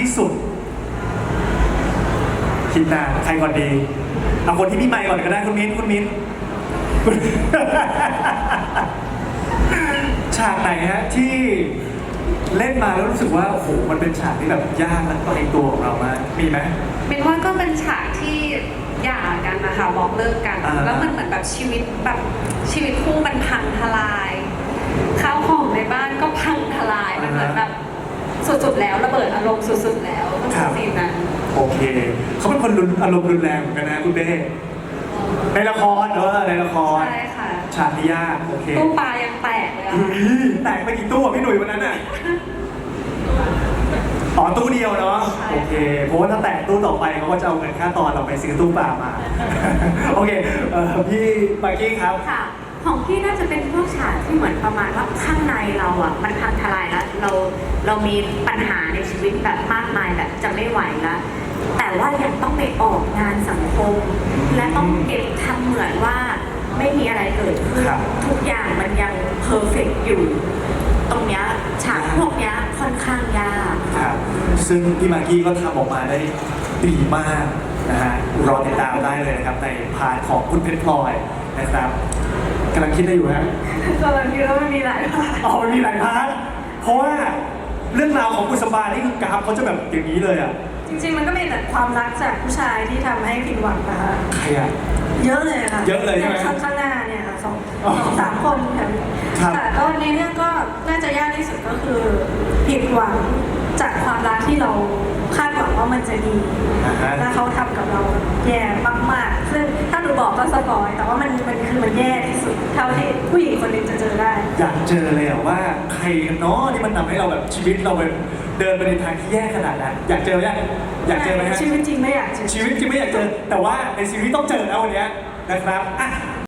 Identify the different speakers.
Speaker 1: สุดคิดนานใครก่อนดีเอาคนที่พี่ไมค์ก่อนก็ได้คุณมิ้นฉากไหนฮะที่เล่นมาแล้วรู้สึกว่าโอ้โหมันเป็นฉากที่แบบยากและไกลตัวของเรามากมีไหม
Speaker 2: เป็นว่าก็เป็นฉากที่หย่ากันนะคะบอกเลิกกันแล้วมันเหมือนแบบชีวิตคู่มันพังทลายข้าวของในบ้านก็พังทลายมันเหมือนแบบสุดๆแล้วระเบิดอารมณ์สุดๆแล้วก็คือซีนนั้น
Speaker 1: โอเคเขาเป็นคนอารมณ์รุนแรงเหมือนกันนะคุณเบ้ในละครในละคร
Speaker 2: ใช่ค่ะ
Speaker 1: ฉากที่ยากโอเค
Speaker 2: ตู้ปลายังแตกเลย
Speaker 1: แตกไปกี่ตู้พี่หนุ่ยวันนั้นน่ะอ๋อตู้เดียวเนาะโอเคเพราะว่าถ้าแตกตู้ต่อไปเขาก็จะเอาเงินค่าตอนเราไปซื้อตู้ปลามาโอเคพี่มากกี้ครับ
Speaker 3: ค่ะของพี่น่าจะเป็นพวกฉากที่เหมือนประมาณว่าข้างในเราอ่ะมันพังทลายแล้วเรามีปัญหาในชีวิตแบบมากมายแบบจะไม่ไหวแล้วแต่ว่ายังต้องไปออกงานสังคมและต้องเก็บทำเหมือนว่าไม่มีอะไรเกิดขึ้นทุกอย่างมันยังเพอร์เฟกต์อยู่ตรงเนี้ยฉากพวกเนี้ยค่อนข้างยาก
Speaker 1: ครับซึ่งพี่มากกี้ก็ทำออกมาได้ดีมากนะฮะรอติดตามได้เลยนะครับในพาร์ทของคุณเพชรพลอยนะครับกำลังคิดได้อยู่ฮะ
Speaker 3: กำลังคิดว่ามันมีหลายพาร์ท
Speaker 1: มันมีหลายพาร์ทเพราะว่าเรื่องราวของกุศบานี่คือกราฟเขาจะแบบอย่างนี้เลยอ่ะ
Speaker 3: จริงๆมันก็เป็นแต่ความรักจากผู้ชายที่ทำให้ผิดหวังนะคะ
Speaker 1: ใครอ่ะ
Speaker 3: เยอะเลยค่ะ
Speaker 1: เยอะเลยใช่ไหม
Speaker 3: ข้างหน้าเนี่ยค่ะสามคนแต่ก็ในเรื่องก็น่าจะยากที่สุดก็คือผิดหวังจากความรักที่เราคาดหวังว่ามันจะดีแล้วเขาทำกับเราแย่มากๆซึ่งถ้าหนูบอกก็สปอยแต่ว่ามันคือมันแย่ที่สุดเท่าที่ผู้หญิงคนหนึ่งจะเจอได้
Speaker 1: อยากเจอเลยอ่ะว่าใครกันเนาะที่มันทำให้เราแบบชีวิตเราเป็นเดินไปในทางที่แย่ขนาดนั้นอยากเจอไหมฮะ
Speaker 3: ชีวิตจริงไม่อยากเจอ
Speaker 1: ชีวิตจริงไม่อยากเจอแต่ว่าในชีวิตต้องเจอแล้ววันนี้นะครับ